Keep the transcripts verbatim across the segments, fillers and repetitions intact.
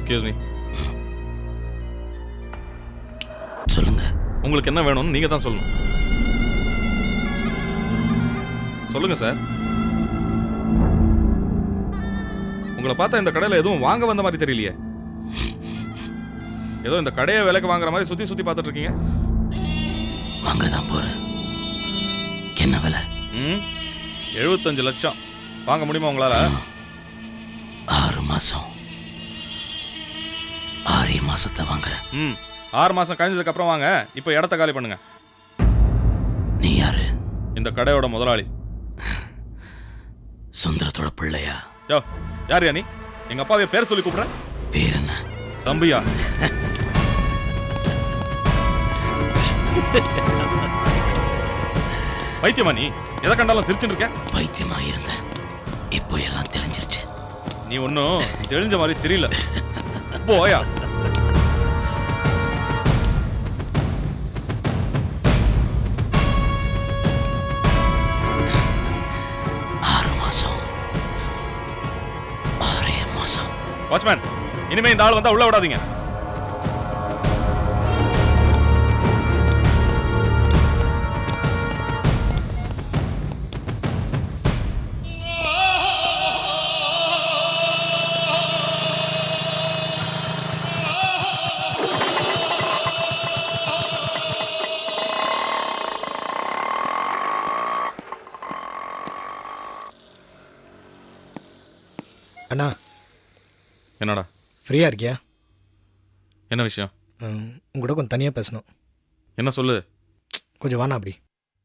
Excuse me. சொல்லுங்க. உங்களுக்கு என்ன வேணும்னு நீங்க தான் சொல்லணும். சொல்லுங்க சார். உங்களை பார்த்தா இந்த கடையில் எதுவும் வாங்க வந்த மாதிரி தெரியலையே. ஏதோ இந்த கடையை விலைக்கு வாங்குற மாதிரி சுத்தி சுத்தி பார்த்துட்டு இருக்கீங்க. வாங்க தான் போறேன். என்ன விலை? ம் எழுபத்தஞ்சு லட்சம். வாங்க முடியுமா உங்களால? ஆறு மாசம் ஆறே மாசத்தை வாங்குறேன். ம் ஆறு மாசம் கழிஞ்சதுக்கு அப்புறம் வாங்க. இப்போ இடத்த காலி பண்ணுங்க. நீ யாரு? இந்த கடையோட முதலாளி. சுந்தரத்தோட பிள்ளையா? யோ யார் நீ? எங்க அப்பாவை பேர் சொல்லி கூப்பிடுற. பேர் என்ன? தம்பியா? பைத்தியமா நீ? எதை கண்டாலும் சிரிச்சுட்டு இருக்க. பைத்தியமா இருந்த, இப்போ எல்லாம் தெரிஞ்சிருச்சு. நீ ஒன்னும் தெரிஞ்ச மாதிரி தெரியல. போயா. ஆறு மாசம் ஆறே மாசம். வாட்ச்மேன், இனிமே இந்த ஆள் வந்தா உள்ள விடாதீங்க. அண்ணா, என்னடா? ஃப்ரீயாக இருக்கியா? என்ன விஷயம்? உங்கள்கிட்ட கொஞ்சம் தனியாக பேசணும். என்ன சொல்லு. கொஞ்சம் வாண்ணா அப்படி.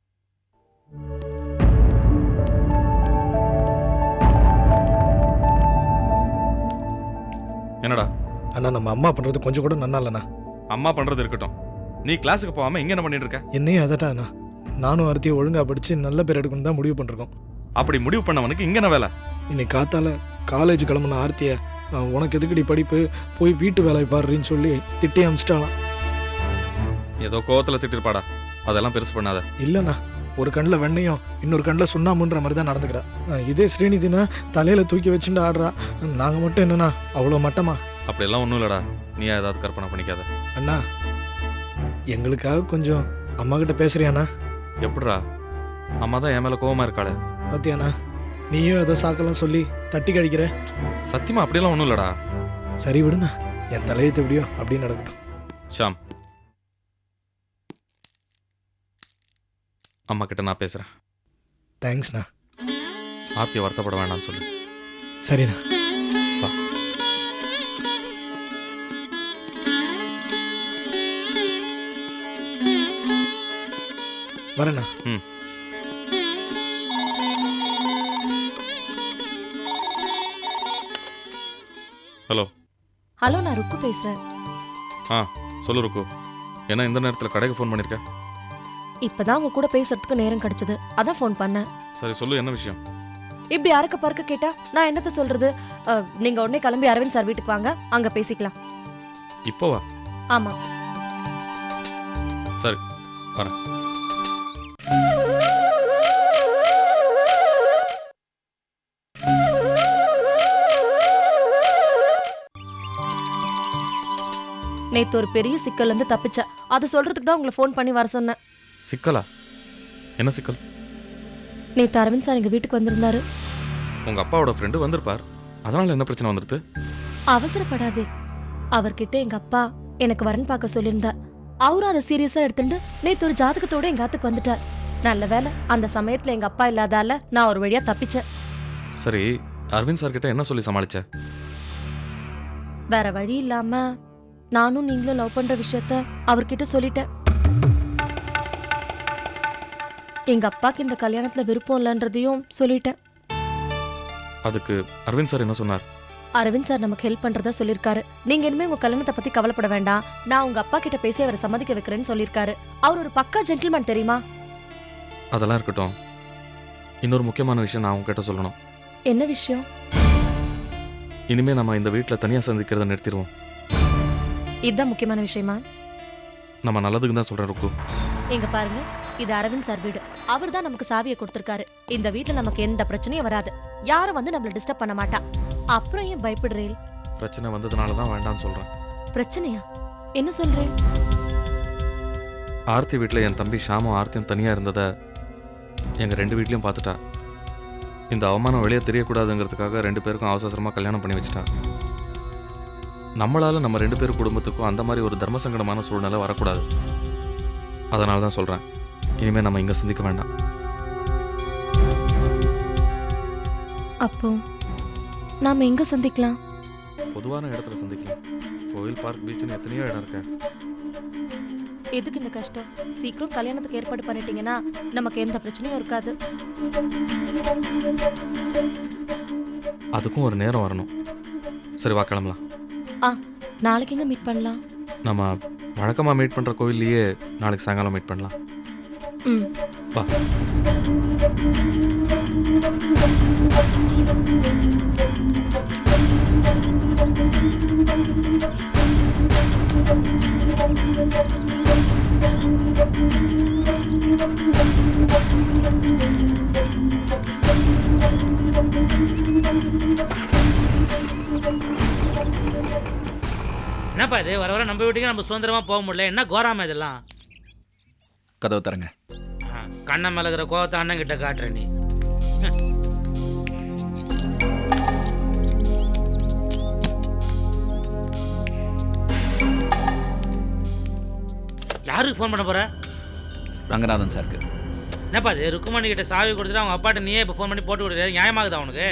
என்னடா? அண்ணா, நம்ம அம்மா பண்ணுறது கொஞ்சம் கூட நன்னா இல்லைண்ணா. அம்மா பண்றது இருக்கட்டும், நீ கிளாஸுக்கு போகாம இங்க என்ன பண்ணிட்டு இருக்க? என்னையும் அதட்டா அண்ணா. நானும் அறுத்தியை ஒழுங்காக படித்து நல்ல பேர் எடுக்கணும் தான் முடிவு பண்ணிருக்கோம். அப்படி முடிவு பண்ணவனுக்கு இங்க என்ன வேலை? இன்னைக்கு காத்தால காலேஜ் கிளம்புன ஆர்த்தியை உனக்கு எதுக்கடி படிப்பு, போய் வீட்டு வேலையை பாடுறேன்னு சொல்லி திட்டி அமிச்சிட்டாலாம். ஏதோ கோவத்துல திட்டிருப்பாடா. அதெல்லாம் பெருசு பண்ணாத. இல்லைண்ணா, ஒரு கண்ணில் வெண்ணையும் இன்னொரு கண்ணில் சுண்ணாமுன்ற மாதிரி தான் நடந்துக்கிறா. இதே ஸ்ரீநிதினா தலையில் தூக்கி வச்சுட்டு ஆடுறா. நாங்கள் மட்டும் என்னண்ணா அவ்வளோ மட்டமா? அப்படியெல்லாம் ஒன்றும் இல்லடா. நீ ஏதாவது கற்பனை பண்ணிக்காத. அண்ணா, எங்களுக்காக கொஞ்சம் அம்மா கிட்ட பேசுறியாண்ணா? எப்படிடா? அம்மா தான் என் மேல கோவமா இருக்காளே. பத்தியாண்ணா, நீயும் ஏதோ சாக்கெல்லாம் சொல்லி தட்டி கழிக்கிற. சத்தியமா அப்படியெல்லாம் ஒன்றும் இல்லடா. சரி விடுண்ணா, என் தலையெழுத்து எப்படியோ அப்படின்னு நடக்கட்டும். ஷாம், அம்மா கிட்ட நான் பேசுறேன். தேங்க்ஸ்ண்ணா. ஆர்த்தியை வருத்தப்பட வேண்டாம்னு சொல்லு. சரிண்ணா. வா. வரேண்ணா. ம் ஹலோ. ஹலோ, நான் ருக்கு பேசுறேன். ஆ சொல்லு ருக்கு. என்ன இந்த நேரத்தில் கடைக்கு ஃபோன் பண்ணிருக்க? இப்பதான் உங்க கூட பேசுறதுக்கு நேரம் கிடைச்சது, அதான் ஃபோன் பண்ணேன். சரி சொல்லு, என்ன விஷயம்? இப்படி அறக்க பறக்க கேட்டா நான் என்னத்த சொல்றது? அஹ், நீங்க உடனே கிளம்பி அரவிந்த் சார் வீட்டுக்கு வாங்க, அங்க பேசிக்கலாம். இப்போ வா. ஆமா. சரி வரேன். நேத்து ஒரு பெரிய சிக்கல்ல இருந்து தப்பிச்சேன். அதை சொல்றதுக்கு தான் உங்களை ஃபோன் பண்ணி வர சொன்னேன். சிக்கலா? என்ன சிக்கல்? நேத்து அரவிந்த் சார் எங்க வீட்டுக்கு வந்திருந்தாரு. உங்க அப்பாவோட ஃப்ரெண்டு வந்திருப்பார். அதனால என்ன பிரச்சனை வந்துருது? அவசரப்படாதே. அவர்கிட்ட எங்க அப்பா எனக்கு வரன் பார்க்க சொல்லியிருந்தார். அவரும் அதை சீரியஸா எடுத்துட்டு நேத்து ஒரு ஜாதகத்தோட எங்க ஆத்துக்கு வந்துட்டார். நல்ல வேலை அந்த சமயத்துல எங்க அப்பா இல்லாதால நான் ஒரு வழியா தப்பிச்சேன். சரி, அரவிந்த் சார் கிட்ட என்ன சொல்லி சமாளிச்ச? வேற வழி இல்லாம நானும் நீங்களும் லவ் பண்ற விஷயத்த அவர்கிட்ட சொல்லிட்டேன். எங்க அப்பாக்கு இந்த கல்யாணத்துல விருப்பம் இல்லைன்றதையும் சொல்லிட்டேன். அதுக்கு அரவிந்த் சார் என்ன சொன்னார்? அரவிந்த் சார் நமக்கு ஹெல்ப் பண்றதா சொல்லிருக்காரு. நீங்க இனிமே உங்க கல்யாணத்தை பத்தி கவலைப்பட வேண்டாம், நான் உங்க அப்பா கிட்ட பேசி அவரை சம்மதிக்க வைக்கிறேன்னு சொல்லிருக்காரு. அவர் ஒரு பக்கா ஜென்டில்மேன் தெரியுமா? அதெல்லாம் இருக்கட்டும். இன்னொரு முக்கியமான விஷயம் நான் உங்ககிட்ட சொல்லணும். என்ன விஷயம்? இனிமே நம்ம இந்த வீட்டில் தனியாக சந்திக்கிறத நிறுத்திடுவோம். இதுதான் முக்கியமான விஷயமா? நம்ம நல்லதுக்கு தான் சொல்றேன் ருக்கு. எங்க பாருங்க, இது அரவிந்த் சார் வீடு. அவர் தான் நமக்கு சாவியை கொடுத்திருக்காரு. இந்த வீட்டுல நமக்கு எந்த பிரச்சனையும் வராது. யாரும் வந்து நம்மள டிஸ்டர்ப் பண்ண மாட்டா. அப்புறம் ஏன் பயப்படுறீள்? பிரச்சனை வந்ததுனால தான் வேண்டாம்னு சொல்கிறேன். பிரச்சனையா? என்ன சொல்றேன்? ஆர்த்தி வீட்டில் என் தம்பி ஷாமும் ஆர்த்தியும் தனியாக இருந்ததை எங்கள் ரெண்டு வீட்லேயும் பார்த்துட்டா. இந்த அவமானம் வெளியே தெரியக்கூடாதுங்கிறதுக்காக ரெண்டு பேருக்கும் அவசர அவசரமாக கல்யாணம் பண்ணி வச்சுட்டா. நம்மளால் நம்ம ரெண்டு பேர் குடும்பத்துக்கும் அந்த மாதிரி ஒரு தர்ம சங்கடமான சூழ்நிலை வரக்கூடாது. அதனால தான் சொல்கிறேன், இனிமேல் நம்ம இங்கே சந்திக்க வேண்டாம். அப்போ நாம எங்க சந்திக்கலாம்? பொதுவான இடத்துல சந்திக்கலாம். கோயில், பார்க், பீச்சுன்னு எத்தனையோ இடம் இருக்கு. எதுக்கு இந்த கஷ்டம்? சீக்கிரம் கல்யாணத்துக்கு ஏற்பாடு பண்ணிட்டீங்கன்னா நமக்கு எந்த பிரச்சனையும் இருக்காது. அதுக்கும் ஒரு நேரம் வரணும். சரி, வா கிளம்பலாம். ஆ, நாளைக்கு எங்க மீட் பண்ணலாம்? நம்ம வழக்கமாக மீட் பண்ணுற கோயில்லையே நாளைக்கு சாயங்காலம் மீட் பண்ணலாம். ம், வா. என்னப்பா இது, வர வர நம்ம வீட்டுக்கு நம்ம சுதந்திரமா போக முடியல. என்ன கோராம இதெல்லாம்? கதவு தரங்க. கண்ணன் மேல இருக்கிற கோவத்தை அண்ணன் கிட்ட காட்டுற நீ. யாருக்கு ஃபோன் பண்ண போற? ரங்கநாதன் சாருக்கு. என்னப்பா இது, ருக்குமணி கிட்ட சாவி கொடுத்துட்டு அவங்க அப்பாட்ட நீயே இப்போ ஃபோன் பண்ணி போட்டு விடுறது நியாயமாகுதா உனக்கு?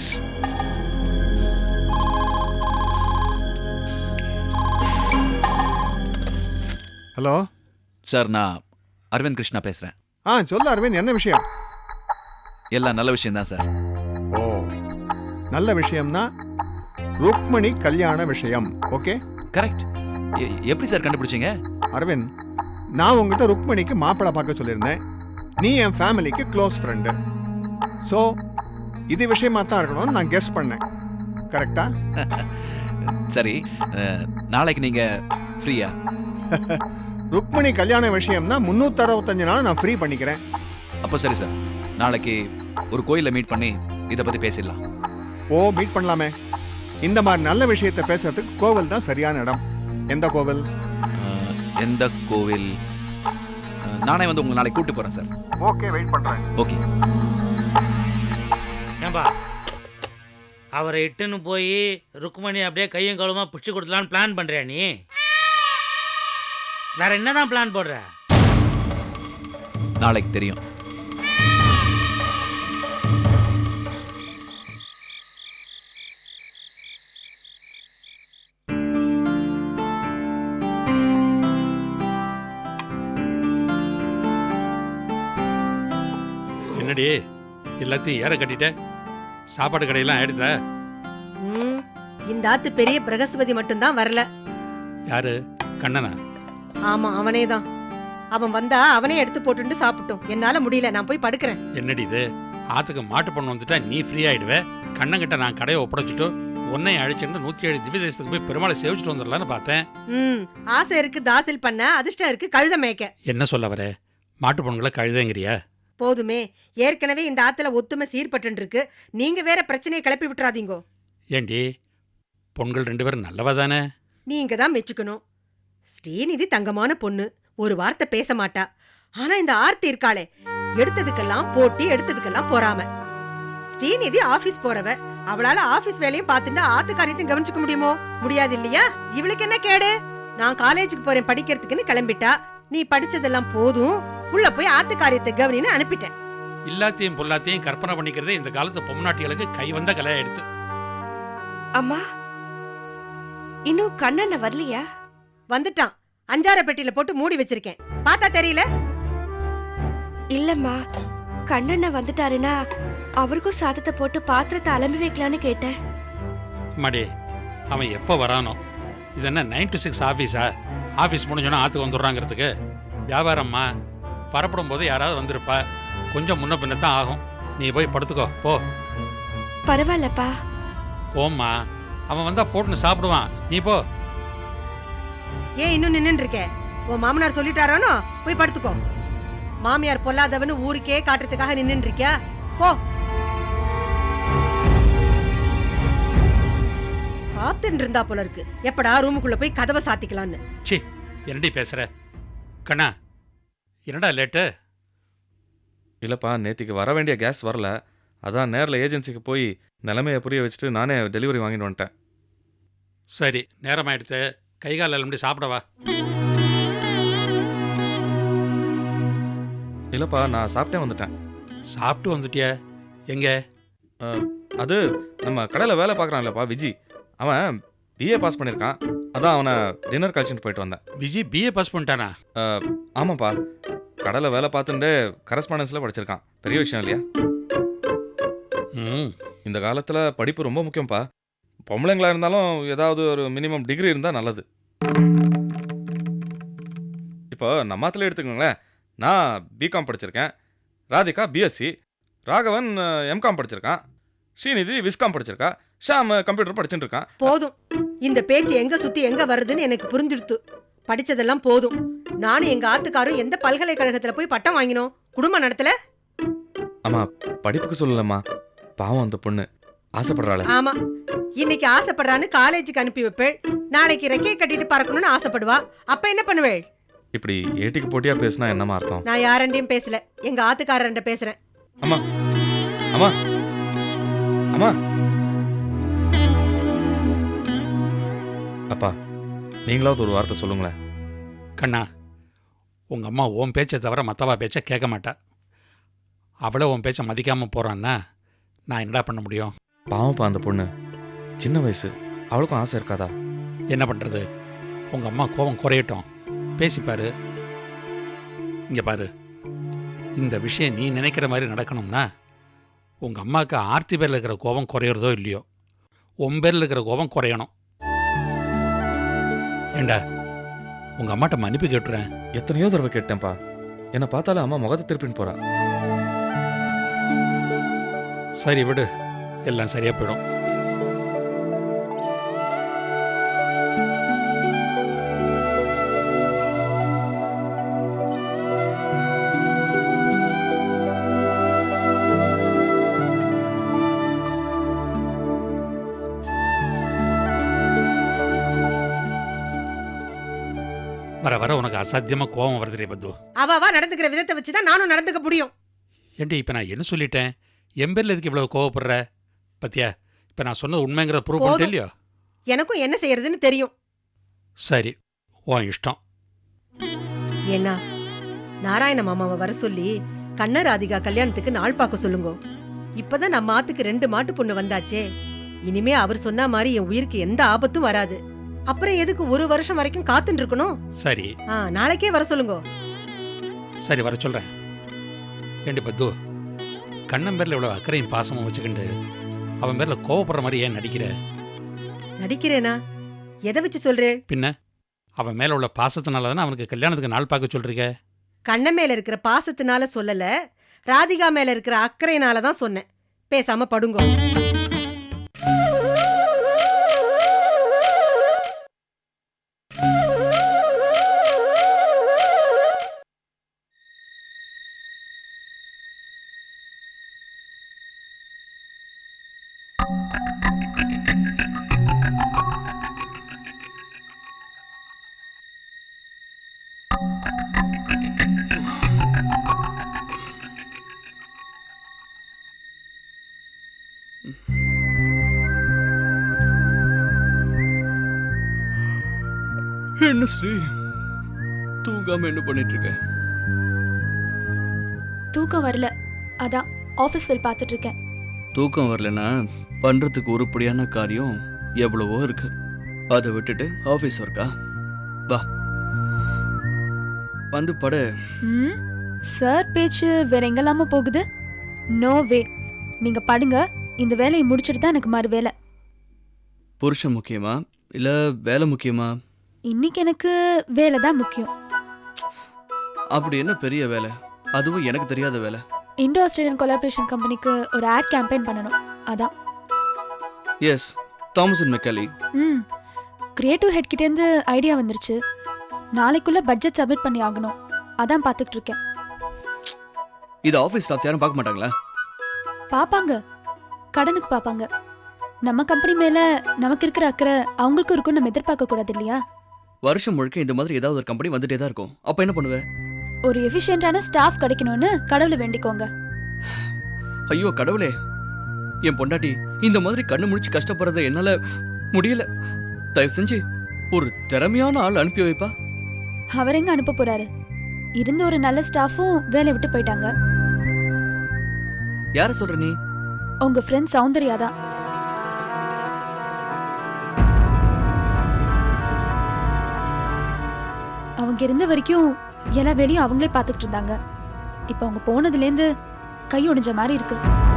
ஹலோ சார், நான் அரவிந்த் கிருஷ்ணா பேசுகிறேன். ஆ சொல்லு அரவிந்த், என்ன விஷயம்? எல்லாம் நல்ல விஷயம்தான் சார். ஓ, நல்ல விஷயம்னா ருக்மணி கல்யாண விஷயம். Okay, correct. எப்படி சார் கண்டுபிடிச்சிங்க? அரவிந்த், நான் உங்ககிட்ட ருக்மணிக்கு மாப்பிள்ளை பார்க்க சொல்லியிருந்தேன். நீ என் ஃபேமிலிக்கு க்ளோஸ் ஃப்ரெண்டு. ஸோ இது விஷயமா தான் இருக்கணும்னு நான் கெஸ் பண்ணேன். கரெக்டா? சரி, அஹ், நாளைக்கு நீங்கள் ஃப்ரீயா? ருக்மணி கல்யாண விஷயம்னா முந்நூற்றி அறுபத்தஞ்சு நாள் நான் ஃப்ரீ பண்ணிக்கிறேன். அப்போ சரி சார், நாளைக்கு ஒரு கோயிலில் மீட் பண்ணி இதை பற்றி பேசிடலாம். ஓ, மீட் பண்ணலாமே. இந்த மாதிரி நல்ல விஷயத்தை பேசுறதுக்கு கோவில் தான் சரியான இடம். எந்த கோவில்? அஹ், எந்த கோவில்? அஹ், நானே வந்து உங்களை நாளைக்கு கூப்பிட்டு போகிறேன் சார். ஓகே, வெயிட் பண்ணுறேன். ஓகே. ஏன்பா அவரை இட்டுன்னு போய் ருக்குமணி அப்படியே கையும் கழுவுமா பிடிச்சி கொடுத்தலான்னு பிளான் பண்றியா நீ? வேற என்னதான் பிளான் போடுற? நாளைக்கு தெரியும். என்னடி எல்லாத்தையும் ஏற கட்டிட்ட? சாப்பாடு கடையெல்லாம் ஆயிடுச்சா? ம், இந்த ஆத்து பெரிய பிரகஸ்பதி மட்டும்தான் வரல. யாரு? கண்ணனா? ஆமா, அவனே தான். அவன் வந்தா அவனே எடுத்து போட்டுட்டு சாப்பிட்டோம். என்னால முடியல, நான் போய் படுக்கிறேன். என்னடி இது? ஆத்துக்கு மாட்டு பண்ண வந்துட்டா நீ ஃப்ரீ ஆயிடுவே. கண்ணங்கிட்ட நான் கடையை ஒப்படைச்சிட்டு உன்னை அழிச்சுட்டு நூத்தி ஏழு திவ்ய தேசத்துக்கு போய் பெருமாளை சேவிச்சுட்டு வந்துடலான்னு பார்த்தேன். ம், ஆசை இருக்கு தாசில் பண்ண, அதிர்ஷ்டம் இருக்கு கழுத மேய்க்க. என்ன சொல்ல வர? மாட்டு பொண்ணுங்களை கழுதைங்கிறியா? போதுமே, ஏற்கனவே இந்த ஆத்துல ஒத்துமை சீர்பட்டு இருக்கு. நீங்க வேற பிரச்சனையை கிளப்பி விட்டுறாதீங்கோ. ஏண்டி, பொண்கள் ரெண்டு பேரும் நல்லவா தானே? நீங்க தான் மெச்சுக்கணும். ஸ்ரீநிதி தங்கமான பொண்ணு, ஒரு வார்த்தை பேச மாட்டா. ஆனா இந்த ஆர்த்தி இருக்காளே, எடுத்ததுக்கெல்லாம் போட்டி, எடுத்ததுக்கெல்லாம் பொறாம. ஸ்ரீநிதி ஆபீஸ் போறவ, அவளால ஆபீஸ் வேலையும் பார்த்துட்டு ஆத்து காரியத்தையும் கவனிச்சுக்க முடியுமோ? முடியாது இல்லையா? இவளுக்கு என்ன கேடு? நான் காலேஜுக்கு போறேன் படிக்கிறதுக்குன்னு கிளம்பிட்டா. நீ படிச்சதெல்லாம் போதும், உள்ள போய் ஆத்து காரியத்தை கவனின்னு அனுப்பிட்டேன். எல்லாத்தையும் பொல்லாத்தையும் கற்பனை பண்ணிக்கிறதே இந்த காலத்து பொம்நாட்டிகளுக்கு கை வந்த கலையாயிடுச்சு. அம்மா, இன்னும் கண்ணண்ண வரலையா? வந்துட்டான். அஞ்சார பெட்டியில போட்டு மூடி வச்சிருக்கேன். பார்த்தா தெரியல? இல்லம்மா, கண்ணண்ண வந்துட்டாருன்னா அவருக்கும் சாதத்தை போட்டு பாத்திரத்தை அலம்பி வைக்கலான்னு கேட்டேன். மடி, அவன் எப்போ வரானோ? இது என்ன நைன் டு சிக்ஸ் ஆஃபீஸா? ஆஃபீஸ் முடிஞ்சோன்னா ஆற்றுக்கு வந்துடுறாங்கிறதுக்கு? வியாபாரம்மா, பரப்படும் போது யாராவது வந்திருப்பா. கொஞ்சம் முன்ன பின்ன தான் ஆகும். நீ போய் படுத்துக்கோ போ. பரவாயில்லப்பா. போம்மா, அவன் வந்தா போட்டுன்னு சாப்பிடுவான். நீ போ. ஏன் இன்னும் நின்னுட்டு இருக்க? உன் மாமனார் சொல்லிட்டாரானோ? போய் படுத்துக்கோ. மாமியார் பொல்லாதவன்னு ஊருக்கே காட்டுறதுக்காக நின்னுட்டு இருக்கியா? போ. காத்துட்டு இருந்தா போல இருக்கு எப்படா ரூமுக்குள்ள போய் கதவை சாத்திக்கலான்னு. சி என்னடி பேசுற கண்ணா? என்னடா லேட்டு? இல்லைப்பா, நேற்றுக்கு வர வேண்டிய கேஸ் வரல. அதான் நேரில் ஏஜென்சிக்கு போய் நிலைமையை புரிய வச்சுட்டு நானே டெலிவரி வாங்கிட்டு வந்துட்டேன். சரி, நேரம் ஆயிடுத்து. கை கால் எல்லாம் சாப்பிடவா? இல்லைப்பா, நான் சாப்பிட்டே வந்துட்டேன். சாப்பிட்டு வந்துட்டியா? எங்க? அது நம்ம கடையில் வேலை பார்க்குறான் இல்லைப்பா விஜி, அவன் பிஏ பாஸ் பண்ணியிருக்கான். அதான் அவனை டின்னர் கழிச்சுட்டு போயிட்டு வந்தேன். விஜய் பிஏ பாஸ் பண்ணிட்டானா? ஆமாப்பா, கடையில் வேலை பார்த்துட்டு கரஸ்பாண்டன்ஸில் படிச்சிருக்கான். பெரிய விஷயம் இல்லையா? ம், இந்த காலத்தில் படிப்பு ரொம்ப முக்கியம்ப்பா. பொம்பளைங்களா இருந்தாலும் ஏதாவது ஒரு மினிமம் டிகிரி இருந்தால் நல்லது. இப்போ நம்மாத்தில் எடுத்துக்கோங்களேன். நான் பிகாம் படிச்சிருக்கேன், ராதிகா பிஎஸ்சி, ராகவன் எம்காம் படிச்சிருக்கான், ஸ்ரீநிதி விஸ்காம் படிச்சிருக்கா, ஷாம் கம்ப்யூட்டர் படிச்சுட்டு இருக்கான். போதும், இந்த பேச்சு எங்க சுத்தி எங்க வருதுன்னு எனக்கு புரிஞ்சிடுத்து. படிச்சதெல்லாம் போதும். நானும் எங்க ஆத்துக்காரும் எந்த பல்கலைக்கழகத்துல போய் பட்டம் வாங்கினோம்? குடும்பம் நடத்தல. ஆமா, படிப்புக்கு சொல்லலம்மா, பாவம் அந்த பொண்ணு ஆசைப்படுறாள். ஆமா, இன்னைக்கு ஆசைப்படுறான்னு காலேஜுக்கு அனுப்பி வைப்பேள், நாளைக்கு ரெக்கையை கட்டிட்டு பறக்கணும்னு ஆசைப்படுவா. அப்ப என்ன பண்ணுவேள்? இப்படி ஏட்டிக்கு போட்டியா பேசினா என்னமா அர்த்தம்? நான் யாரண்டையும் பேசல, எங்க ஆத்துக்காரர்கிட்ட பேசுறேன். அம்மா அம்மா அம்மா அப்பா, நீங்களாவது ஒரு வார்த்தை சொல்லுங்களேன். கண்ணா, உங்கள் அம்மா உன் பேச்சை தவிர மற்றவா பேச்சை கேட்க மாட்டா. அவளை உன் பேச்சை மதிக்காமல் போகிறான்னா நான் என்னடா பண்ண முடியும்? பாவம்ப்பா அந்த பொண்ணு, சின்ன வயசு, அவளுக்கும் ஆசை இருக்காதா? என்ன பண்ணுறது? உங்கள் அம்மா கோபம் குறையட்டும், பேசிப்பாரு. இங்கே பாரு, இந்த விஷயம் நீ நினைக்கிற மாதிரி நடக்கணும்னா உங்கள் அம்மாவுக்கு ஆர்த்தி பேரில் இருக்கிற கோபம் குறையிறதோ இல்லையோ, உன் பேரில் இருக்கிற கோபம் குறையணும். ஏண்டா, உங்கள் அம்மாட்ட மன்னிப்பு கேட்டுறேன். எத்தனையோ தடவை கேட்டேன்ப்பா, என்னை பார்த்தாலும் அம்மா முகத்தை திருப்பின்னு போறா. சரி விடு, எல்லாம் சரியாக போயிடும். வர வர உனக்கு அசாத்தியமா கோபம் வருதுரே பத்து. அவ நடந்துக்கிற விதத்தை வச்சுதான் நானும் நடந்துக்க முடியும். ஏண்டி இப்ப நான் என்ன சொல்லிட்டேன்? என் பேர்ல எதுக்கு இவ்வளவு கோவப்படுற? பத்தியா, இப்ப நான் சொன்னது உண்மைங்கிற ப்ரூவ் பண்ணிட்டு இல்லையோ? எனக்கும் என்ன செய்யறதுன்னு தெரியும். சரி, உன் இஷ்டம். என்ன, நாராயண மாமாவை வர சொல்லி கண்ணராதிகா கல்யாணத்துக்கு நாள் பார்க்க சொல்லுங்க. இப்பதான் நம்ம ஆத்துக்கு ரெண்டு மாட்டு பொண்ணு வந்தாச்சே, இனிமே அவர் சொன்ன மாதிரி என் உயிருக்கு எந்த ஆபத்தும் வராது. அப்புறம் எதுக்கு ஒரு வருஷம் வரைக்கும் காத்துட்டு இருக்கணும்? சரி, நாளைக்கே வர சொல்லுங்க. சரி, வர சொல்றேன். ஏண்டி பத்து, கண்ணன் பேர்ல இவ்வளவு அக்கறையும் பாசமும் வச்சுக்கிண்டு அவன் பேர்ல கோவப்படுற மாதிரி ஏன் நடிக்கிற? நடிக்கிறேனா? எதை வச்சு சொல்றேன்? பின்ன அவன் மேல உள்ள பாசத்தினால தானே அவனுக்கு கல்யாணத்துக்கு நாள் பார்க்க சொல்றீங்க. கண்ணன் மேல இருக்கிற பாசத்தினால சொல்லல, ராதிகா மேல இருக்கிற அக்கறையினால தான் சொன்னேன். பேசாம படுங்க. என்ன ஸ்ரீ, தூங்காம என்ன பண்ணிட்டு இருக்க? தூக்கம் வரல, அதான் ஆஃபீஸ் வேல் பார்த்துட்டு இருக்கேன். தூக்கம் வரலனா பண்றதுக்கு உருப்படியான காரியம் எவ்வளவோ இருக்கு. அதை விட்டுட்டு ஆஃபீஸ் ஒர்க்கா? வா வந்து பட. ம், சார் பேச்சு வேற எங்கெல்லாமோ போகுது. நோ வே, நீங்க படுங்க. இந்த வேலையை முடிச்சிட்டு தான் எனக்கு மறு வேலை. புருஷன் முக்கியமா இல்ல வேலை முக்கியமா? இன்னைக்கு எனக்கு வேலை தான் முக்கியம். அப்படி என்ன பெரிய வேலை? அதுவும் எனக்கு தெரியாத வேலை. இண்டோ ஆஸ்திரேலியன் கொலாபரேஷன் கம்பெனிக்கு ஒரு ஆட் கேம்பெயின் பண்ணணும், அதான். Yes, Thomas and Macaulay. ம், கிரியேட்டிவ் ஹெட் கிட்டேருந்து ஐடியா வந்துருச்சு. நாளைக்குள்ள பட்ஜெட் சப்மிட் பண்ணி ஆகணும், அதான் பார்த்துட்டு இருக்கேன். இது ஆஃபீஸ் ஸ்டாஃப்ஸ் யாரும் பார்க்க மாட்டாங்களா? பாப்பாங்க, கடனுக்கு பாப்பாங்க. நம்ம கம்பெனி மேல நமக்கு இருக்கிற அக்கறை அவங்களுக்கும் இருக்கும் நம்ம எதிர்பார்க்க கூடாது இல்லையா? வருஷம் முழுக்க இந்த மாதிரி ஏதாவது ஒரு கம்பெனி வந்துட்டே தான் இருக்கும். அப்ப என்ன பண்ணுவ? ஒரு எஃபிஷியன்டான ஸ்டாஃப் கிடைக்கணும்னு கடவுளை வேண்டிக்கோங்க. ஐயோ கடவுளே, என் பொண்டாட்டி இந்த மாதிரி கண்ணு முழிச்சு கஷ்டப்படுறத என்னால முடியல. தயவு செஞ்சு ஒரு திறமையான ஆள் அனுப்பி வைப்பா. அவர் எங்க அனுப்ப போறாரு? இருந்த ஒரு நல்ல ஸ்டாஃபும் வேலையை விட்டு போயிட்டாங்க. யார சொல்ற நீ? உங்க ஃப்ரெண்ட் சௌந்தர்யா தான். அவங்க இருந்த வரைக்கும் எல்லா வேலையும் அவங்களே பார்த்துக்கிட்டு இருந்தாங்க. இப்ப அவங்க போனதுலேருந்து கை ஒடிஞ்ச மாதிரி இருக்கு.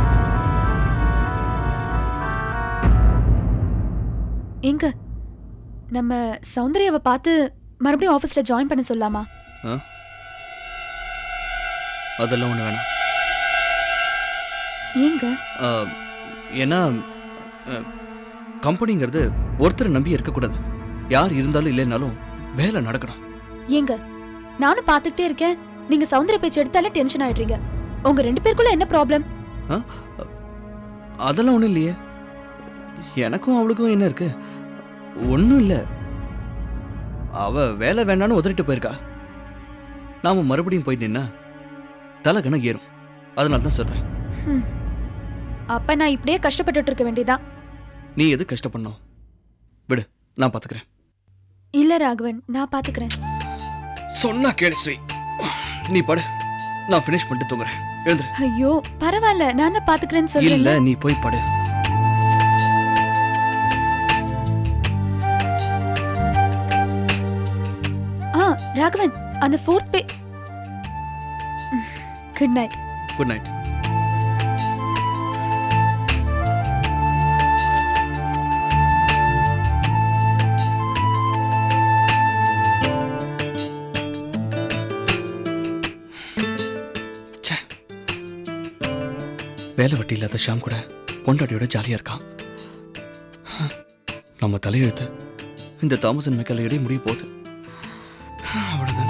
எங்க நம்ம சௌந்தர்யாவை பார்த்து மறுபடியும் ஆபீஸ்ல ஜாயின் பண்ண சொல்லலாமா? அதெல்லாம் ஒண்ணு வேணாம். ஏங்க? ஆ, ஏன்னா கம்பெனிங்கிறது ஒருத்தரை நம்பி இருக்கக்கூடாது. யார் இருந்தாலும் இல்லைனாலும் வேலை நடக்கணும். ஏங்க நானும் பார்த்துக்கிட்டே இருக்கேன், நீங்க சௌந்தர்ய பேச்சு எடுத்தாலே டென்ஷன் ஆயிடுறீங்க. உங்க ரெண்டு பேருக்குள்ள என்ன ப்ராப்ளம்? அதெல்லாம் ஒண்ணும் இல்லையே. எனக்கும் அவளுக்கும் என்ன இருக்கு? ஒன்றும் இல்லை. அவ வேலை வேணான்னு உதறிட்டு போயிருக்கா. நாம மறுபடியும் போய் நின்னா தலைகணம் ஏறும். அதனால தான் சொல்றேன். அப்ப நான் இப்படியே கஷ்டப்பட்டுட்டு இருக்க வேண்டியதான். நீ எது கஷ்டப்படணும்? விடு, நான் பாத்துக்கிறேன். இல்ல ராகவன், நான் பாத்துக்கிறேன். சொன்னா கேளு ஸ்ரீ. நீ படு, நான் ஃபினிஷ் பண்ணிட்டு தூங்குறேன். எழுந்துரு. ஐயோ பரவாயில்ல, நான் தான் பாத்துக்கிறேன்னு இல்ல, சொல்றேன். நீ போய் படு. ஆ ராகவன், அந்த fourth bay. Good night. Good night. வேலை வெட்டி இல்லாத ஷாம் கூட பொண்டாட்டியோட ஜாலியா இருக்கான். நம்ம தலையெழுத்து இந்த தாமஸ் அண்ட் மெக்கல் இடையே முடிய போகுது. அவ்வளவுதான்.